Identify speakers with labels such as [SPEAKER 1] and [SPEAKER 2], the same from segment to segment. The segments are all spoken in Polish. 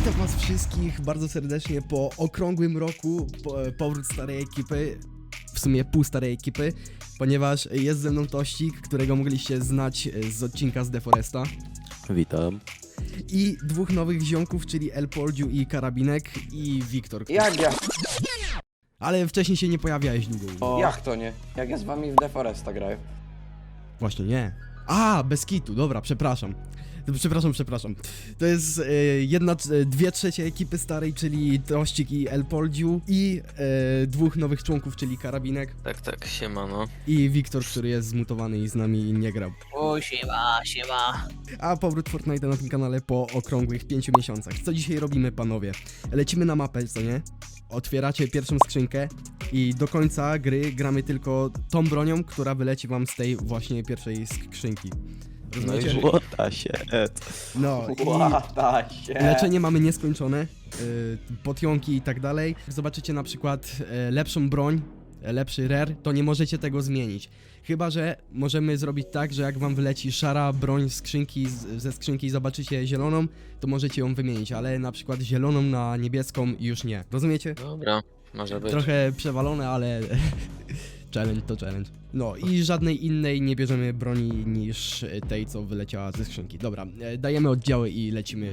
[SPEAKER 1] Witam was wszystkich bardzo serdecznie po okrągłym roku, powrót starej ekipy, w sumie pół starej ekipy, ponieważ jest ze mną Tościk, którego mogliście znać z odcinka z Deforesta.
[SPEAKER 2] Witam.
[SPEAKER 1] I dwóch nowych ziomków, czyli Elpordziu i Karabinek i Wiktor.
[SPEAKER 3] Jak ja?
[SPEAKER 1] Ale wcześniej się nie pojawiałeś długo.
[SPEAKER 3] Jak to nie? Jak ja z wami w Deforesta graję?
[SPEAKER 1] Właśnie nie. A, bez kitu, dobra, przepraszam. Przepraszam. To jest dwie trzecie ekipy starej, czyli Tościk i Elpordziu i dwóch nowych członków, czyli Karabinek
[SPEAKER 2] Tak, siemano.
[SPEAKER 1] i Wiktor, który jest zmutowany i z nami nie grał.
[SPEAKER 4] O, siema.
[SPEAKER 1] A powrót Fortnite na tym kanale po okrągłych 5 miesiącach. Co dzisiaj robimy, panowie? Lecimy na mapę, co nie? Otwieracie pierwszą skrzynkę i do końca gry gramy tylko tą bronią, która wyleci wam z tej właśnie pierwszej skrzynki.
[SPEAKER 2] No i
[SPEAKER 1] Rozumiecie?
[SPEAKER 2] złota się.
[SPEAKER 1] No i
[SPEAKER 3] Łata się.
[SPEAKER 1] leczenie mamy nieskończone, potionki i tak dalej. Zobaczycie na przykład lepszą broń, lepszy rare, to nie możecie tego zmienić. Chyba że możemy zrobić tak, że jak wam wyleci szara broń z skrzynki, ze skrzynki i zobaczycie zieloną, to możecie ją wymienić, ale na przykład zieloną na niebieską już nie. Rozumiecie?
[SPEAKER 2] Dobra, może być.
[SPEAKER 1] Trochę przewalone, ale challenge to challenge. No i żadnej innej nie bierzemy broni niż tej, co wyleciała ze skrzynki. Dobra, dajemy oddziały i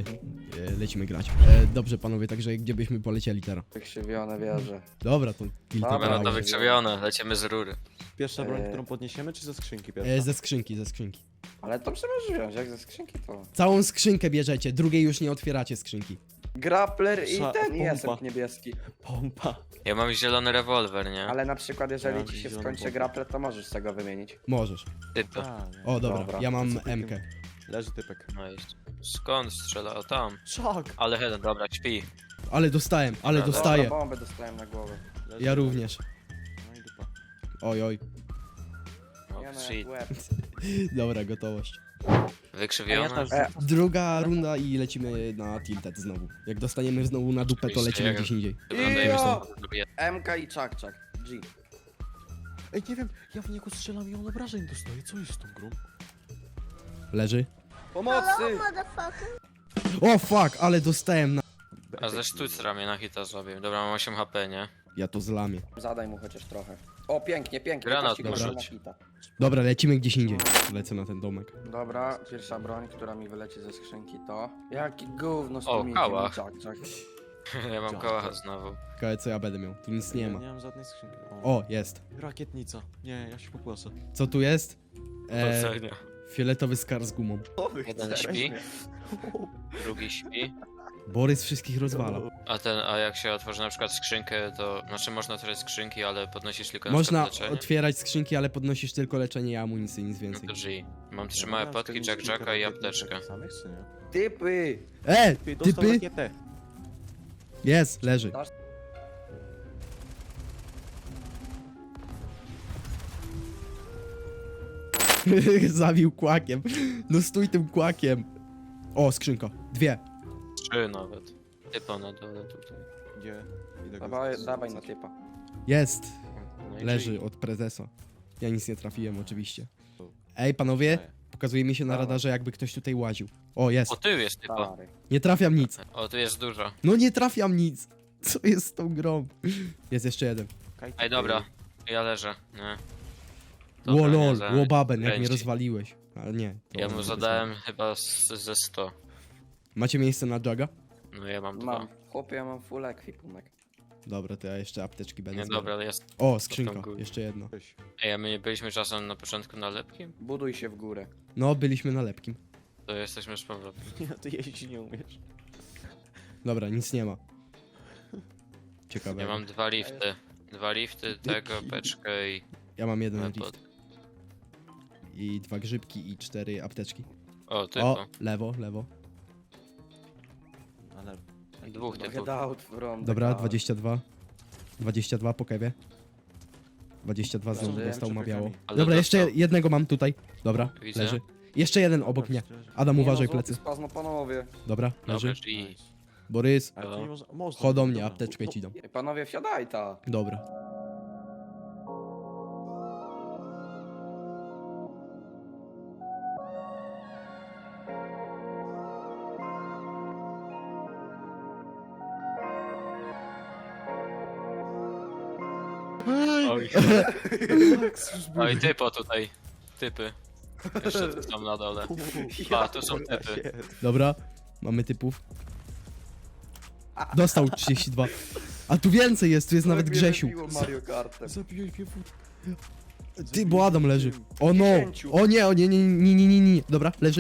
[SPEAKER 1] lecimy grać. Dobrze, panowie, także gdzie byśmy polecieli teraz?
[SPEAKER 3] Wykrzywione wieże.
[SPEAKER 1] Dobra, to kilka
[SPEAKER 3] Dobra,
[SPEAKER 2] Dobra, no to
[SPEAKER 1] broni.
[SPEAKER 2] wykrzywione, lecimy z rury.
[SPEAKER 5] Pierwsza broń,
[SPEAKER 3] Eee.
[SPEAKER 5] którą podniesiemy, czy ze skrzynki pierwsza?
[SPEAKER 1] Ze skrzynki.
[SPEAKER 3] Ale to możesz wziąć, jak ze skrzynki to.
[SPEAKER 1] Całą skrzynkę bierzecie, drugiej już nie otwieracie skrzynki.
[SPEAKER 3] Grappler i
[SPEAKER 5] Sza-
[SPEAKER 3] ten
[SPEAKER 5] pompa.
[SPEAKER 3] jestem niebieski.
[SPEAKER 5] Pompa.
[SPEAKER 2] Ja mam zielony rewolwer, nie?
[SPEAKER 3] Ale na przykład jeżeli
[SPEAKER 5] Ja
[SPEAKER 3] ci się
[SPEAKER 5] zieloną
[SPEAKER 3] skończy
[SPEAKER 5] pompę.
[SPEAKER 3] grappler, to możesz z tego wymienić.
[SPEAKER 1] Możesz.
[SPEAKER 2] Typo.
[SPEAKER 5] A, nie.
[SPEAKER 1] O, dobra,
[SPEAKER 3] Dobra,
[SPEAKER 1] ja mam
[SPEAKER 5] co ty
[SPEAKER 1] MK.
[SPEAKER 5] tym- Leży typek.
[SPEAKER 2] No jest. Skąd strzela? O tam.
[SPEAKER 5] Czak!
[SPEAKER 2] Ale headen, dobra, śpi.
[SPEAKER 1] Ale dostałem,
[SPEAKER 2] Dobra.
[SPEAKER 1] dostaję.
[SPEAKER 3] Dobra, bombę dostałem na głowę.
[SPEAKER 5] Leży
[SPEAKER 1] Ja
[SPEAKER 5] typek.
[SPEAKER 1] również.
[SPEAKER 5] No i dupa.
[SPEAKER 1] Oj.
[SPEAKER 2] O,
[SPEAKER 3] Ja na
[SPEAKER 2] shit.
[SPEAKER 3] łeb.
[SPEAKER 1] Dobra, gotowość.
[SPEAKER 2] Wykrzywione?
[SPEAKER 1] Druga runda i lecimy na tilted znowu. Jak dostaniemy znowu na dupę, to
[SPEAKER 2] Oczywiście,
[SPEAKER 1] lecimy
[SPEAKER 2] jak-
[SPEAKER 1] gdzieś indziej.
[SPEAKER 2] Wyglądajmy
[SPEAKER 3] Ja!
[SPEAKER 2] stąd. Lubię.
[SPEAKER 3] MK i czak. G.
[SPEAKER 5] Ej, nie wiem, ja w niego strzelam i on obrażeń dostaje. Co jest z tą grą?
[SPEAKER 1] Leży.
[SPEAKER 3] Pomocy!
[SPEAKER 1] O fuck, ale dostałem na...
[SPEAKER 2] A ze sztucra mnie na hita zrobił. Dobra, mam 8 HP, nie?
[SPEAKER 1] Ja to zlamię.
[SPEAKER 3] Zadaj mu chociaż trochę. O, pięknie.
[SPEAKER 2] Granat
[SPEAKER 3] Kości proszę
[SPEAKER 2] dorzuć.
[SPEAKER 3] na hita.
[SPEAKER 1] Dobra, lecimy gdzieś indziej. Lecę na ten domek.
[SPEAKER 3] Dobra, pierwsza broń, która mi wyleci ze skrzynki to... Jaki gówno z
[SPEAKER 2] O,
[SPEAKER 3] tym
[SPEAKER 2] kałach.
[SPEAKER 3] czak.
[SPEAKER 2] Ja mam kołacha znowu.
[SPEAKER 1] Ciekawe co ja będę miał. Tu nic nie
[SPEAKER 5] Ja
[SPEAKER 1] ma.
[SPEAKER 5] nie mam żadnej skrzynki.
[SPEAKER 1] O, jest.
[SPEAKER 5] Rakietnica. Nie, ja się pokłosę.
[SPEAKER 1] Co tu jest?
[SPEAKER 2] Docenia.
[SPEAKER 1] Fioletowy skar z gumą.
[SPEAKER 2] Jeden śpi, drugi śpi.
[SPEAKER 1] Borys wszystkich rozwala.
[SPEAKER 2] A jak się otworzy na przykład skrzynkę, to... Znaczy można otworzyć skrzynki, ale podnosisz tylko na
[SPEAKER 1] Można
[SPEAKER 2] przykład leczenie?
[SPEAKER 1] otwierać skrzynki, ale podnosisz tylko leczenie i amunicję, nic
[SPEAKER 2] No
[SPEAKER 1] więcej.
[SPEAKER 2] to G. Mam 3 małe potki, Jack-Jacka i apteczkę.
[SPEAKER 5] Samych, czy nie?
[SPEAKER 3] Typy!
[SPEAKER 5] Ty, dostał
[SPEAKER 1] Typy?
[SPEAKER 5] rakietę.
[SPEAKER 1] Jest, leży. Zabił kłakiem. No stój tym kłakiem. O, skrzynka. Dwie.
[SPEAKER 2] 3 nawet. Typa na dole tutaj.
[SPEAKER 5] Gdzie? Idę go
[SPEAKER 3] Dawaj na
[SPEAKER 5] zrzucać.
[SPEAKER 3] typa.
[SPEAKER 1] Jest.
[SPEAKER 2] No i
[SPEAKER 1] Leży
[SPEAKER 2] G.
[SPEAKER 1] od prezesa. Ja nic nie trafiłem oczywiście. Ej, panowie, pokazuje mi się na
[SPEAKER 3] Dawaj.
[SPEAKER 1] radarze, jakby ktoś tutaj łaził. O, jest.
[SPEAKER 2] O, tył jest typa.
[SPEAKER 3] Stary.
[SPEAKER 1] Nie trafiam nic.
[SPEAKER 2] O, tu jest dużo.
[SPEAKER 1] No nie trafiam nic. Co jest z tą grą? Jest jeszcze jeden.
[SPEAKER 5] Kajty,
[SPEAKER 2] Ej, dobra. Ja leżę. Nie.
[SPEAKER 1] Ło
[SPEAKER 2] Dobra, nie
[SPEAKER 1] lol,
[SPEAKER 2] za-
[SPEAKER 1] łobaben, jak mnie
[SPEAKER 2] kręci.
[SPEAKER 1] rozwaliłeś. Ale nie.
[SPEAKER 2] Ja
[SPEAKER 1] dobra,
[SPEAKER 2] mu
[SPEAKER 1] to
[SPEAKER 2] zadałem chyba ze 100.
[SPEAKER 1] Macie miejsce na Jaga?
[SPEAKER 2] No ja mam 2.
[SPEAKER 3] Mam. Chłopie, ja mam full ekwipunek.
[SPEAKER 1] Dobra, to ja jeszcze apteczki będę
[SPEAKER 2] Nie,
[SPEAKER 1] zbierał.
[SPEAKER 2] dobra, ale jest.
[SPEAKER 1] O, skrzynka,
[SPEAKER 2] Tam góry.
[SPEAKER 1] jeszcze jedna.
[SPEAKER 5] Weź.
[SPEAKER 2] Ej, a my nie byliśmy czasem na początku na lepkim?
[SPEAKER 3] Buduj się w górę.
[SPEAKER 1] No, byliśmy na lepkim.
[SPEAKER 2] To jesteśmy z powrotem.
[SPEAKER 5] Nie, ty jeździć nie umiesz.
[SPEAKER 1] Dobra, nic nie ma. Ciekawe.
[SPEAKER 2] Ja mam 2 lifty. 2 lifty, tego, beczkę i...
[SPEAKER 1] Ja mam jeden
[SPEAKER 2] Lepot.
[SPEAKER 1] rift. I 2 grzybki i 4 apteczki.
[SPEAKER 2] O, typo.
[SPEAKER 1] O, lewo.
[SPEAKER 5] Ale...
[SPEAKER 2] Dwóch typów.
[SPEAKER 3] Get out from the
[SPEAKER 1] Dobra,
[SPEAKER 3] car.
[SPEAKER 1] 22. 22 po kewie. 22 znowu
[SPEAKER 3] Dobrze,
[SPEAKER 1] dostał, ma
[SPEAKER 5] czekaj,
[SPEAKER 1] biało.
[SPEAKER 2] ale
[SPEAKER 1] Dobra, jeszcze
[SPEAKER 2] dostał.
[SPEAKER 1] jednego mam tutaj. Dobra,
[SPEAKER 2] Widzę.
[SPEAKER 1] leży. Jeszcze jeden obok mnie. Adam,
[SPEAKER 3] Nie
[SPEAKER 1] uważaj
[SPEAKER 3] no,
[SPEAKER 1] plecy.
[SPEAKER 3] Spazmo panowie.
[SPEAKER 1] Dobra,
[SPEAKER 2] Dobra,
[SPEAKER 1] leży.
[SPEAKER 2] G.
[SPEAKER 1] Borys,
[SPEAKER 5] Ale to nie można... Można.
[SPEAKER 1] chodź do mnie,
[SPEAKER 5] Dobra.
[SPEAKER 1] apteczkę ci dam.
[SPEAKER 3] Ej, panowie, wsiadaj ta.
[SPEAKER 1] Dobra.
[SPEAKER 2] Oj. Oj, typo tutaj. Typy. Jeszcze tu są na dole. A, tu są typy.
[SPEAKER 1] Dobra, mamy typów. Dostał 32. A tu więcej jest, tu jest nawet Grzesiu.
[SPEAKER 3] Mario Kartem.
[SPEAKER 5] Zabiłeś mnie
[SPEAKER 1] Ty, bo Adam leży. O no!
[SPEAKER 3] 10.
[SPEAKER 1] O nie, o nie, nie, nie, nie, nie, nie. Dobra, leży.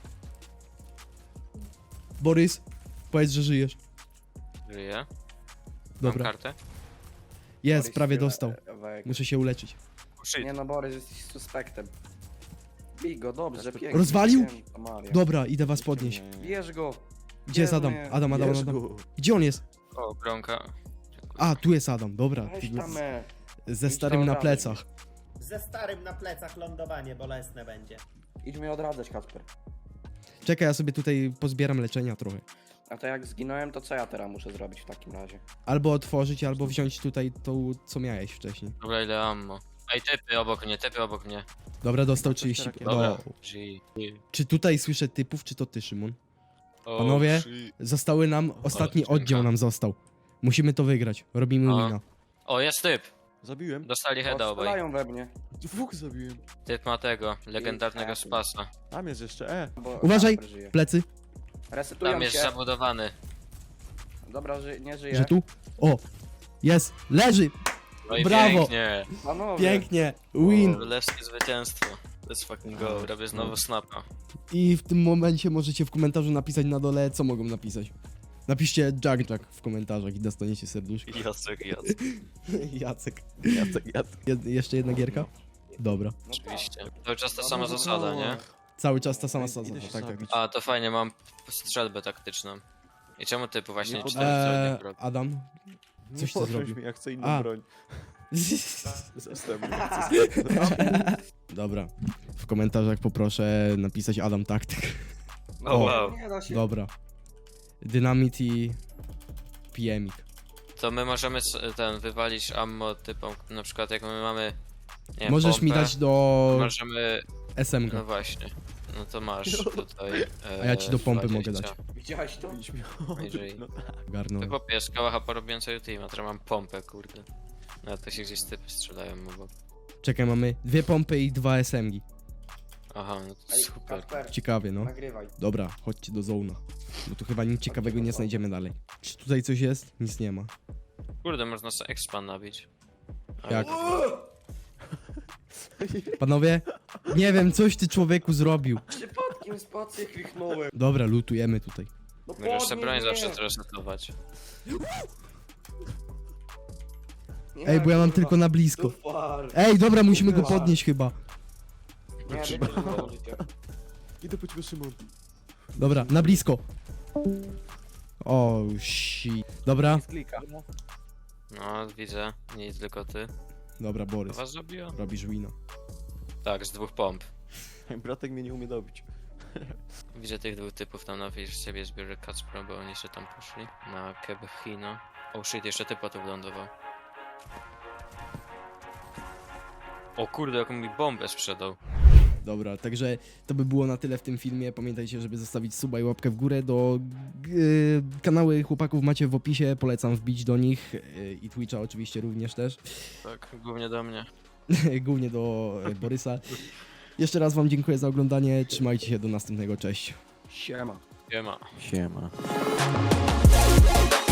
[SPEAKER 1] Borys, powiedz, że żyjesz.
[SPEAKER 2] Żyje. Mam
[SPEAKER 1] Dobra,
[SPEAKER 2] kartę?
[SPEAKER 1] jest,
[SPEAKER 3] Borys
[SPEAKER 1] prawie
[SPEAKER 3] się
[SPEAKER 1] dostał.
[SPEAKER 3] wek.
[SPEAKER 1] Muszę się uleczyć.
[SPEAKER 2] Shit.
[SPEAKER 3] Nie no, Borys, jesteś suspektem. Bij go, dobrze, pięknie.
[SPEAKER 1] Rozwalił?
[SPEAKER 3] Święto Maria.
[SPEAKER 1] Dobra, idę was podnieść.
[SPEAKER 3] Bierz go.
[SPEAKER 1] Gdzie jest Adam? Adam. Gdzie on jest?
[SPEAKER 2] O, bronka.
[SPEAKER 1] A, tu jest Adam, dobra.
[SPEAKER 3] Weź tam,
[SPEAKER 1] Ze
[SPEAKER 3] Idź
[SPEAKER 1] starym
[SPEAKER 3] tam
[SPEAKER 1] na
[SPEAKER 3] dalej.
[SPEAKER 1] plecach.
[SPEAKER 6] Ze starym na plecach lądowanie bolesne będzie.
[SPEAKER 3] Idź mnie odradzać, Kacper.
[SPEAKER 1] Czekaj, ja sobie tutaj pozbieram leczenia trochę.
[SPEAKER 3] A to jak zginąłem, to co ja teraz muszę zrobić w takim razie?
[SPEAKER 1] Albo otworzyć, albo wziąć tutaj tą, co miałeś wcześniej.
[SPEAKER 2] Dobra, ile ammo. Ej, typy obok mnie.
[SPEAKER 1] Dobra, dostał 30.
[SPEAKER 2] Dobra.
[SPEAKER 1] No.
[SPEAKER 2] G.
[SPEAKER 1] Czy tutaj słyszę typów, czy to ty, Szymon?
[SPEAKER 2] O,
[SPEAKER 1] Panowie?
[SPEAKER 2] shit.
[SPEAKER 1] Zostały nam, ostatni
[SPEAKER 2] skrzynka.
[SPEAKER 1] oddział nam został. Musimy to wygrać, robimy
[SPEAKER 2] A.
[SPEAKER 1] wina.
[SPEAKER 2] O, jest typ.
[SPEAKER 5] Zabiłem.
[SPEAKER 2] Dostali heada obaj.
[SPEAKER 3] Strzelają we mnie.
[SPEAKER 5] Dwóch zabiłem.
[SPEAKER 2] Typ ma tego, legendarnego
[SPEAKER 3] I-
[SPEAKER 2] spasa.
[SPEAKER 5] Tam jest jeszcze,
[SPEAKER 3] Bo
[SPEAKER 1] Uważaj.
[SPEAKER 3] Kacper żyje.
[SPEAKER 1] Plecy,
[SPEAKER 3] Resetują
[SPEAKER 2] Tam jest
[SPEAKER 3] się.
[SPEAKER 2] zabudowany.
[SPEAKER 3] Dobra, nie żyje.
[SPEAKER 1] że tu? O! Jest! Leży!
[SPEAKER 2] No i
[SPEAKER 1] Brawo.
[SPEAKER 2] pięknie.
[SPEAKER 3] Panowie.
[SPEAKER 1] Pięknie! Win!
[SPEAKER 2] Królewskie zwycięstwo. Let's fucking go. Robię znowu snapa.
[SPEAKER 1] I w tym momencie możecie w komentarzu napisać na dole, co mogą napisać. Napiszcie Jack w komentarzach i dostaniecie serduszko.
[SPEAKER 2] Jacek.
[SPEAKER 1] Jacek.
[SPEAKER 5] Jacek.
[SPEAKER 1] Jeszcze jedna gierka? Dobra.
[SPEAKER 3] No tak.
[SPEAKER 2] Oczywiście. Cały czas ta sama zasada, nie?
[SPEAKER 1] Cały czas ta sama
[SPEAKER 5] Idę
[SPEAKER 1] sadzona.
[SPEAKER 5] się
[SPEAKER 1] Tak, tak.
[SPEAKER 5] zabić.
[SPEAKER 2] A, to fajnie, mam strzelbę taktyczną. I czemu typu właśnie
[SPEAKER 5] Nie
[SPEAKER 2] 4
[SPEAKER 1] Eee, Adam? Coś ty
[SPEAKER 5] Podnoś
[SPEAKER 1] zrobił.
[SPEAKER 5] mnie, ja chcę inną
[SPEAKER 1] A.
[SPEAKER 5] broń. Zastępny.
[SPEAKER 1] Dobra. W komentarzach poproszę napisać Adam Taktyk.
[SPEAKER 2] O, wow.
[SPEAKER 3] Nie da się.
[SPEAKER 1] Dobra. Dynamit i PMik.
[SPEAKER 2] To my możemy wywalić ammo typom, na przykład jak my mamy, nie wiem,
[SPEAKER 1] Możesz
[SPEAKER 2] pompę,
[SPEAKER 1] mi dać do
[SPEAKER 2] możemy,
[SPEAKER 1] SMG.
[SPEAKER 2] no właśnie, no to masz tutaj.
[SPEAKER 1] A ja ci do pompy
[SPEAKER 2] 20.
[SPEAKER 1] mogę dać.
[SPEAKER 3] Widziałeś to?
[SPEAKER 2] Jeżeli-
[SPEAKER 5] No,
[SPEAKER 1] Garnąłem.
[SPEAKER 2] Ty chłopie, kałacha porobiłem cały team, a teraz mam pompę, kurde. No to się gdzieś typy strzelają obok.
[SPEAKER 1] Czekaj, mamy 2 pompy i 2 SMG.
[SPEAKER 2] Aha, no to
[SPEAKER 3] Ej,
[SPEAKER 2] super.
[SPEAKER 3] Kacper,
[SPEAKER 1] Ciekawie, no.
[SPEAKER 3] nagrywaj.
[SPEAKER 1] Dobra, chodźcie do zona. Bo tu chyba nic ciekawego nie znajdziemy dalej. Czy tutaj coś jest? Nic nie ma.
[SPEAKER 2] Kurde, można sobie expan nabić. A
[SPEAKER 1] Jak? Panowie? Nie wiem, coś ty człowieku zrobił.
[SPEAKER 3] Przypadkiem spację kliknąłem.
[SPEAKER 1] Dobra, lutujemy tutaj.
[SPEAKER 3] No
[SPEAKER 2] Możesz sobie broń
[SPEAKER 3] podnieś
[SPEAKER 2] zawsze
[SPEAKER 3] mnie.
[SPEAKER 2] zresetować.
[SPEAKER 3] Nie,
[SPEAKER 1] Ej, bo ja mam
[SPEAKER 3] kurwa.
[SPEAKER 1] tylko na blisko.
[SPEAKER 3] Super.
[SPEAKER 1] Ej, dobra, musimy go podnieść chyba.
[SPEAKER 3] Nie, będzie życie.
[SPEAKER 5] Idę po ciebie, Szymon.
[SPEAKER 1] Dobra, na blisko. O, shit. Dobra,
[SPEAKER 3] Z klika.
[SPEAKER 2] No, widzę, nic, tylko ty.
[SPEAKER 1] dobra,
[SPEAKER 2] To
[SPEAKER 1] Borys.
[SPEAKER 2] was zabiło?
[SPEAKER 1] Robisz wina.
[SPEAKER 2] Tak, z 2 pomp.
[SPEAKER 5] Bratek mnie nie umie dobić.
[SPEAKER 2] Widzę tych 2 typów tam na z ciebie zbiorę Kacpro, bo oni jeszcze tam poszli. Na Kebhino. Oh shit, jeszcze typa tu wylądował. O kurde, jaką mi bombę sprzedał.
[SPEAKER 1] Dobra, także to by było na tyle w tym filmie. Pamiętajcie, żeby zostawić suba i łapkę w górę. Do kanały chłopaków macie w opisie, polecam wbić do nich i Twitcha oczywiście również też.
[SPEAKER 2] Tak, głównie do mnie.
[SPEAKER 1] Głównie do Borysa. Jeszcze raz wam dziękuję za oglądanie, trzymajcie się, do następnego, cześć.
[SPEAKER 3] Siema.
[SPEAKER 2] Nie ma.
[SPEAKER 5] Siema.